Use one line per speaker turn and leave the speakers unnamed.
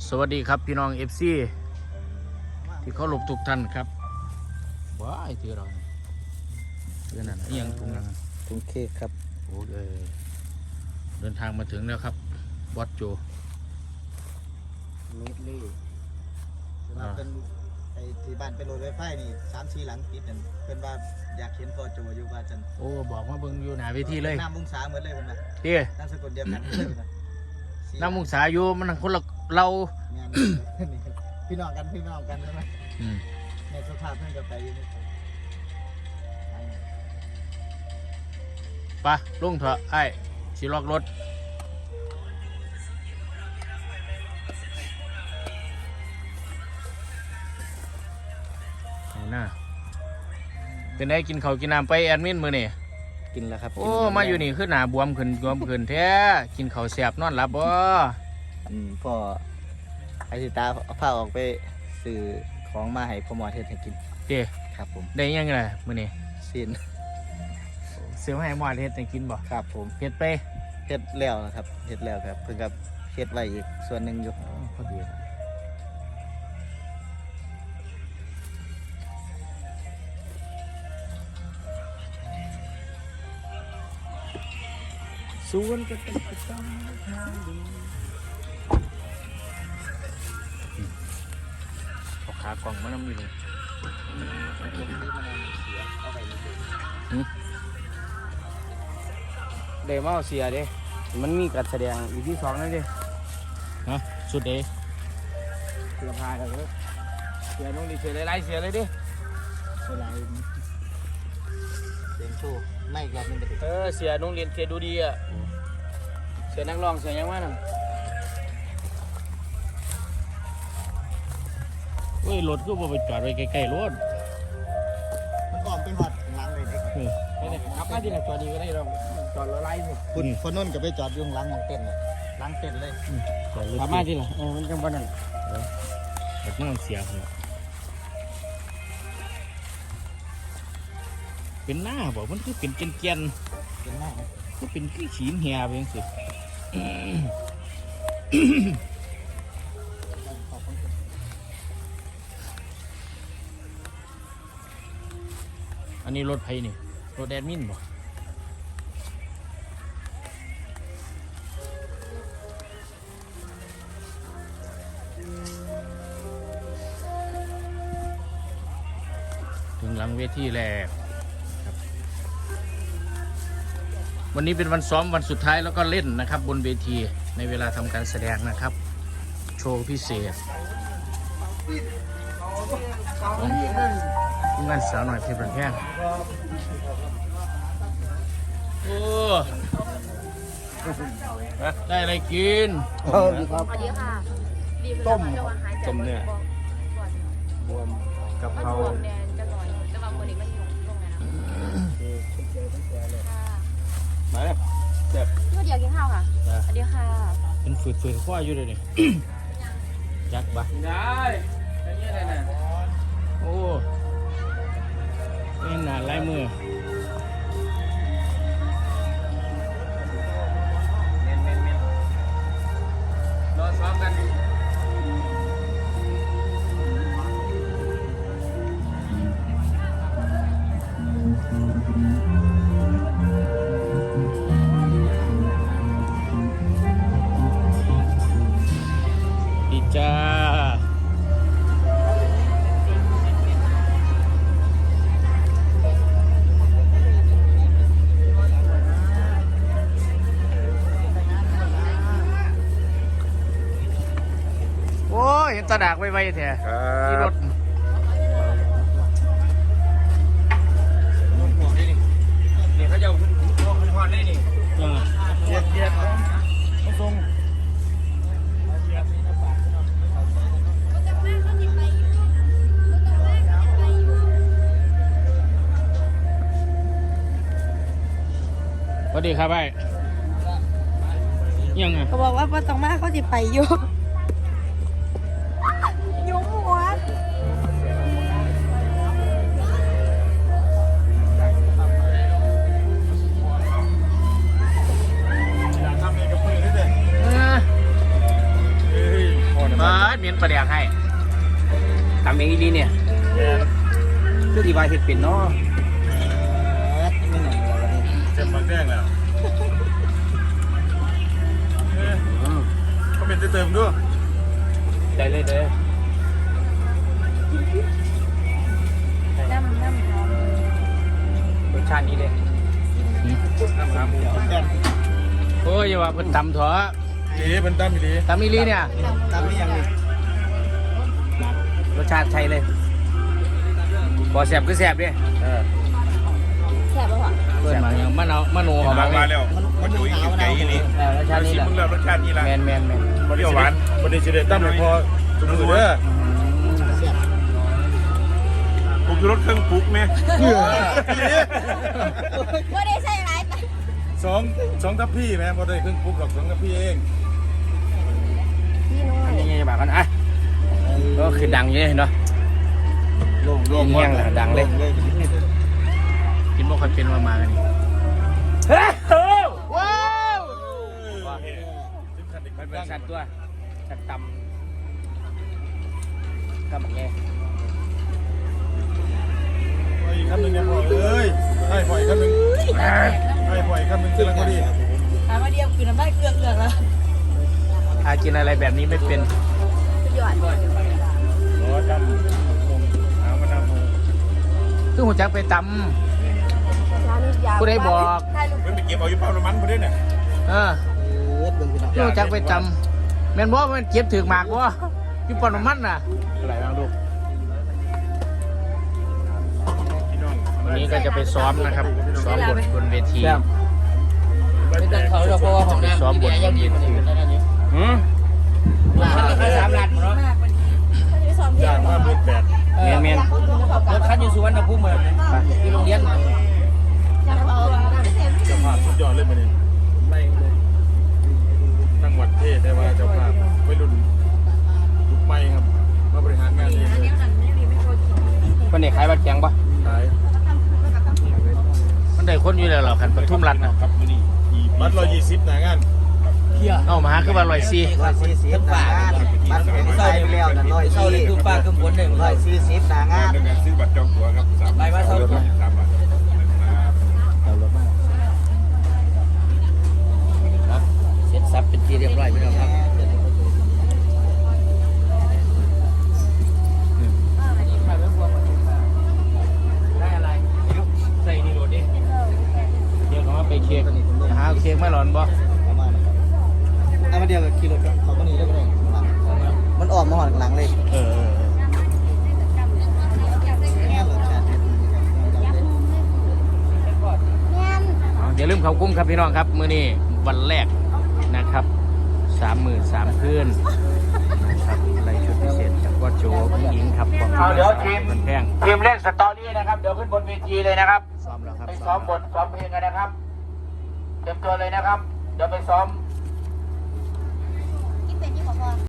สวัสดีครับพี่น้อง FC ที่เขาหลบทุกท่านครับว้ายที่เราเรื่องนั้นยังถุงยัง
ถุงเค้กครับ
โอ้เดินทางมาถึงแล้วครับบอสโจ
มิดลี่เป็นไอ้ที่บ้านเป็นรถไฟฟ้านี่3-4 หลังติดนั่นเพิ่นว่าอยากเห็นพ่อโจอยู่ว่าจัน
โอ้บอกว่าเบิ่งอยู่หน้าเวทีเลย
น้ำมุงสาเหมือนเลยเพิ่นว่า
เตี้ย
นามสกุลเดียวกันเลยเพิ่นว่า
น้ำมุงสาอยู่มันคนละเรา
งานนี่พี่น้องกันใช่ไหมในสภาพเพิ่นก็ไปอยู่นี่
ปะลุงเถอะไอ้สิล็อกรถหน้าเป็นไงกินข้าวกินน้ำไปแอดมินมือนี่
กินแล้วครับ
โอ้มาอยู่นี่คือหน้าบวมขึ้นแท้กินข้าวแซ่บนอนหลับบ่
พ่อไอ้สิตาพาออกไปซื้อของมาให้พ่อหมอเฮ็ดให้กิน
เด้
ครับผม
ได้ยังไงมื้อนี้
สิ้น
ซื้อมาให้หมอเฮ็ดให้กินบ่
ครับผม
เฮ็ดไป
เฮ็ดแล้วนะครับเฮ็ดแล้วครับเพิ่นก็เฮ็ดไว้อีกส่วนหนึ่งอยู่
พอดีส่วนก็ต้องทางดีเอาขากล่องมานำอยู่นี่
เดมาเสียเด้มันมีการแสดงอีกที่2นั่นเด้
ฮะสุดเด้
เสื้อผ้ากันเลยเสียน้องดีเสียไล่เสียเลยดิเสียไล่เสียงโชว์ไม่อีกรอบนึงไปดิ
เสียน้องเรียนเสียดูดีอ่ะเสียนักร้องเสียยังว่าน่ะเฮ้ยรถก็บ่ไปจอดไว้ใกล้ๆรถ
มันก่อนไปหอดหลังเลย
เด็กขับมาที่ไหนจอดดีก็ได้เราจอดแล้วไล่สิ
คุณคนนู้นก็ไปจอดอยู่หลังของเต้นเลยหลังเต้นเลย
ขับมาที่ไหนมันจังหวะนั้นแบบนั้นเสียเลยเป็นหน้าบอกมันคือเป็นเกียน
เป็นหน้า
ก็เป็นขี้ฉีนเหียไปยังสิอันนี้รถไผนี่รถแอดมินบ่ถึงหลังเวทีแล้ววันนี้เป็นวันซ้อมวันสุดท้ายแล้วก็เล่นนะครับบนเวทีในเวลาทำการแสดงนะครับโชว์พิเศษของงานสาวหน่อยเพชรบันแพงโอ้ได้อะไรกิน
สวัสดีค่ะต้ม
เนื้อ
บวม
กับเขา
แดงจะหน่อยจะวางคนนี้มันอยู่ตรงไหน
มาแล้วเจ็บ
เมื่อเดียวกินข้าวค่ะสวัสดีค่ะ
เป็นฝืดข้ออยู่เลยนี่จักบะได้แค่นี้เลยนะโอ้นี่หนาลายมือรอซ้อมกันดีจ้าโอ้ยเห็นตาดากไวๆแท้ที่รถนี่เขาจะพอดได้นี่เย็ดต้องทรงสวัสดีครับไอ้ยังไง
เขาบอกว่าต้องมาเขาจะไปยุ่งหัว
ทำเองกับมือด้วยเด้อ
มาเมียนประเดี๋ยวให้
ทำเองดีเนี่ยเพื่อที่ว่าเห็ดเป็นเนาะ
ไม่หนังอะไรนี่
เจ็บมันแดงแล้วก็เป็นเติมด้วย
ใจเลยเด้อ
น้ำหอม
รสชาตินี้เลยน้ำขาหมู
โอ้ยอย่าว่าเพิ่นตำเถอะ
ดีเป็นตั้มดี
ตำอีหลีเนี่ย
ตามไม่ยังนี่
รสชาติใช่เลยบ่แสบก็แสบดิ
แซ่บป่ะวะ
เพิ่นมาอย่างมะโน
อ
เขา
อก
มา
มา
เลย
แล้วมันอยู่อยู่ใจนี่
รสชาตินี้
ชิ
แห
ม
ละ
มึงแล้วรสชาตินี่ละ
แมน
เปรี้ยวหวานบไดีเฉลี่ยตั้มเลยพอจุ่มมือเด้อปลุกรถเครื่องปลุกไหม
ว่าได้ใช่ไร
สองทัพพี่ไหมพอได้เครื่องปลุกหรอก2ทัพพี่เอง
พี่น้อย
ทำยังไงบ้างกันอ่ะก็คือดังอยู่เนาะ
โล่ง
โล่งแห้งเลยดังเลย
กินบ่ค่อยเป็นมากันนี่
ว้าว
จิ้มขันอีก
มันเป็น
ตั้ง
สัตว์ตัวสัตว์ตำก็แบบนี้
อีกคำหนึ่งเนี่ยพอเอ้ยให้พออีกคำหนึ่งให้พออีกคำหนึ่งซึ่งพอดี
ถามมาเดียวคือน้ำได้เกลือแล้ว
อากินอะไรแบบนี้ไม่เป็น
หยอด
รอจำหามาดาม
คือหัวจักไปต
ร้านนี้ยาว
ผู้ใดบอก
ได้ลูก
เพิ่งไปเก็บเอาอยู่เป้าน้ำมันพอดีเนี่ย
ำ
เบิ่งพี่น้อง
คือหัวจักไปตำแม่นบ่มันเก็บถือหมากบ่พี่ปอนมันน่ะอะไรบ้างลูก
พี่น้อง
วันนี้ก็จะไปซ้อมนะครับ ซ้อมบนเวที
ไม่ต้องเขาหรอกเพราะว่าของน้ำ
ซ้อมบนเวที
หืมมันเป็น3 ล้านเนาะ
มากวันนี้เขาจะไปซ้อมเพล
ย่าง
ง
ว่าเบิดแปด
แมนรถคันอยู่สุวรรณภูมิเลยที่โรงเรียน
จะเอา
เจ้าภาพสุดยอดเลยมันนี่ไม่เลยตั้งวัดเทศได้ว่าเจ้าภาพวัยรุ่นยุคใหม่ครับมาบริหารงานเองเลย
คนนี้ขายบัตรแข็งปะ
ขาย
มันได้คนอยู่แล้วเหรอคันปทุมรัฐนะครับ
มื้อนี้บัตร120หน้างาน
เอามาหาคือว่า140
140หน้างานบัตรเป็นไปแล้วนั่น
เศร้าเลยคือป้าคือฝนเลย
140หน้างาน
ในการซื้อบัตรจองตั๋วครับ3
ไปมาเศร้า
3 บาท
เสร็จสับเป็นที่เรียบร้อยพี่น้องครับได้อะไรใส่นี่โหลดดิ
เดี๋ยวเขามาไปเค้กหาเค้กมาหลอนบ่
ประมาณนั้นเอามาเดียวกับขี่รถเขาก็หนีได้ก็ได้มันออกมาหอดหลังเลย
เออ
แง่รถชาติ
อย่าลืมเขากุ้มครับพี่น้องครับ มื้อนี้วันแรกนะครับ33,000คืนนะครับอะไรชุดพิเศษจากว่าโจผู้หญิงครับของที่มันแพง
ทีมเล่นสตอรี่นะครับเดี๋ยวขึ้นบนเวทีเลยนะครับ
ซ้อมแล้วครับ
ไปซ้อมบทซ้อมเพลงกันนะครับเตรียมตัวเลยนะครับเดี๋ยวไปซ้อม
ที่เป็นที่บอกว่า